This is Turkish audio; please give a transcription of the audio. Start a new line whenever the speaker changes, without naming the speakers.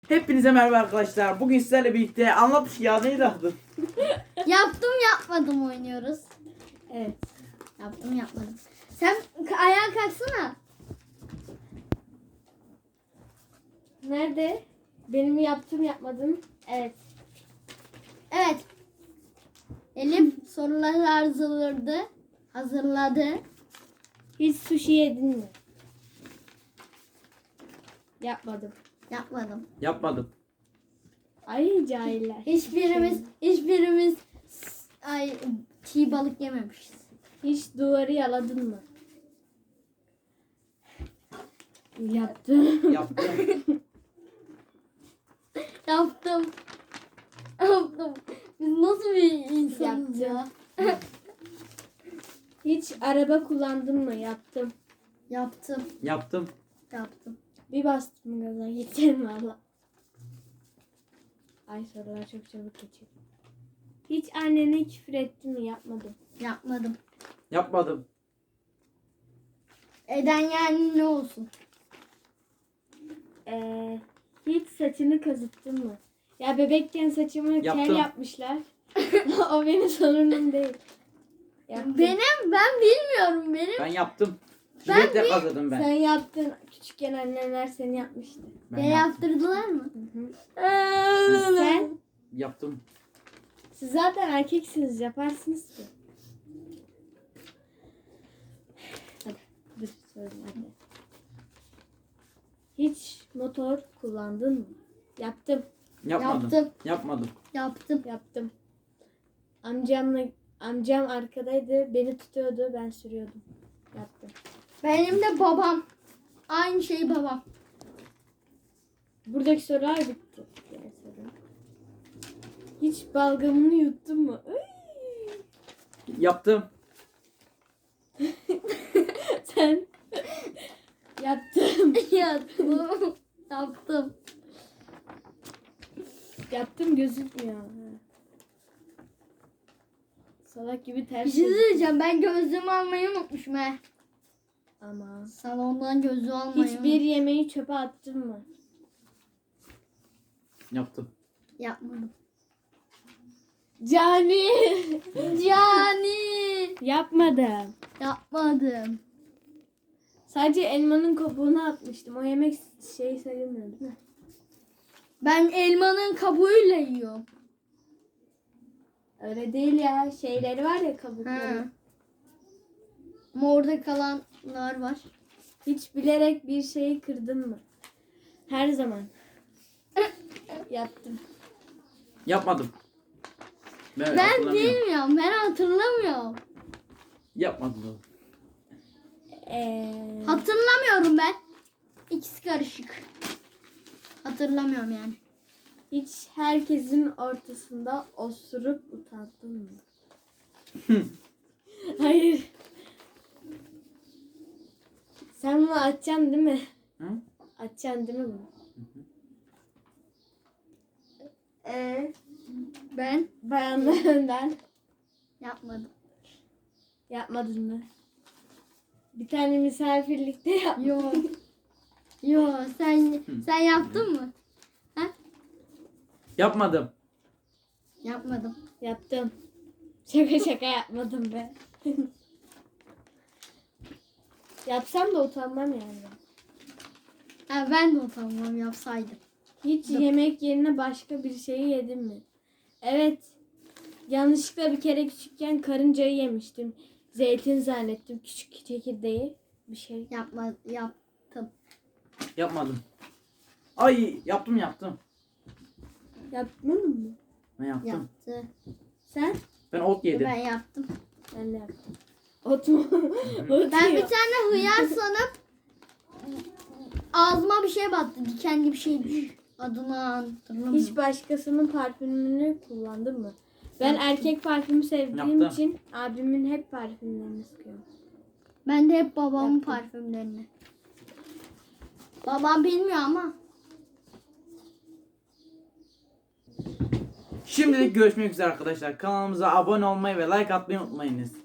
Hepinize merhaba arkadaşlar. Bugün sizlerle birlikte anlat ya neydi adı?
Yaptım yapmadım oynuyoruz.
Evet.
Yaptım yapmadım. Sen ayağa kalksana.
Nerede? Benim yaptım yapmadım.
Evet. Evet. Elif soruları hazırladı.
Hiç sushi yedin mi? Yapmadım.
Yapmadım.
Yapmadım.
Ay cahiller.
Hiçbirimiz çiğ balık yememişiz.
Hiç duvarı yaladın mı? Yaptım.
Yaptım.
Yaptım. Yaptım. Biz nasıl bir insanız ya?
Hiç araba kullandın mı? Yaptım.
Yaptım.
Yaptım.
Yaptım.
Bir bastım gaza geçerim valla. Ay sorular çok çabuk geçiyor. Hiç annene küfür ettin mi? Yapmadım.
Yapmadım.
Yapmadım.
Eden yani ne olsun?
Hiç saçını kazıttın mı? Ya bebekken saçımı
Yaptım.
kel yapmışlar. O benim sorunum değil. Yaptım.
Ben bilmiyorum
Ben yaptım.
Ben
Jiletle kazıdım ben.
Sen yaptın. Küçükken annenler seni yapmıştı.
Beni yaptırdılar mı?
Sen?
Yaptım.
Siz zaten erkeksiniz. Yaparsınız ki. Hadi. Dur söyleyeyim hadi. Hiç motor kullandın mı? Yaptım.
Yapmadım.
Yaptım.
Yapmadım.
Yaptım.
Amcam arkadaydı. Beni tutuyordu. Ben sürüyordum. Yaptım.
Benim de babam. Aynı şey babam.
Buradaki sorular bitti. Diğer soru. Hiç balgamını yuttun mu?
Yaptım.
Sen yaptım.
Yaptım. Yaptım.
Yaptım gözükmüyor. Ha. Salak gibi
Bir
ters.
şey söyleyeceğim. Ben gözlüğümü almayı unutmuşum he.
Ama
Salondan gözlüğü almayı
hiçbir yemeği çöpe attın mı?
Yaptım.
Yapmadım.
Cani.
Yani
Yapmadım.
yapmadım.
Sadece elmanın kabuğunu atmıştım. O yemek şey sayılmıyor değil mi?
Ben elmanın kabuğuyla yiyorum.
Öyle değil ya. Şeyleri var ya kabukları.
Ha. Ama orada kalanlar var.
Hiç bilerek bir şeyi kırdın mı? Her zaman. Yaptım.
Yapmadım. Ben
Ben
hatırlamıyorum.
bilmiyorum. Ben hatırlamıyorum.
Yapmadım.
Hatırlamıyorum ben. İkisi karışık. Hatırlamıyorum yani.
Hiç herkesin ortasında osurup utandın mı? Hayır. Sen bunu atacaksın değil mi?
Hı?
Atacaksın değil mi bunu?
Ben
Bayanlarından
yapmadım.
yapmadın mı? Bir tane misafirlikte yap.
Yok. Yok sen yaptın mı?
Yapmadım.
Yapmadım.
Yaptım. Şaka yapmadım be. Yapsam da utanmam yani.
Ha, ben de utanmam yapsaydım.
Hiç yemek yerine başka bir şeyi yedin mi? Evet. Yanlışlıkla bir kere küçükken karıncayı yemiştim. Zeytin zannettim. Küçük çekirdeği. Bir şey.
Yaptım.
Yapmadım. Ay yaptım.
Yapmadın mı?
Ben yaptım.
Yaptı.
Sen?
Ben ot yedim.
Ben yaptım.
Ben de yaptım. Ot mu? Ot
Ben bir
yiyor.
tane hıyar sanıp ağzıma bir şey battı. Dikenli bir şeymiş. Adını hatırlamıyorum.
Hiç başkasının parfümünü kullandın mı? Ben erkek parfümü sevdiğim
Yaptım.
için abimin hep parfümlerini sıkıyorum.
Ben de hep babamın
Yaptım.
parfümlerini. Babam bilmiyor ama.
Şimdilik görüşmek üzere arkadaşlar. Kanalımıza abone olmayı ve like atmayı unutmayınız.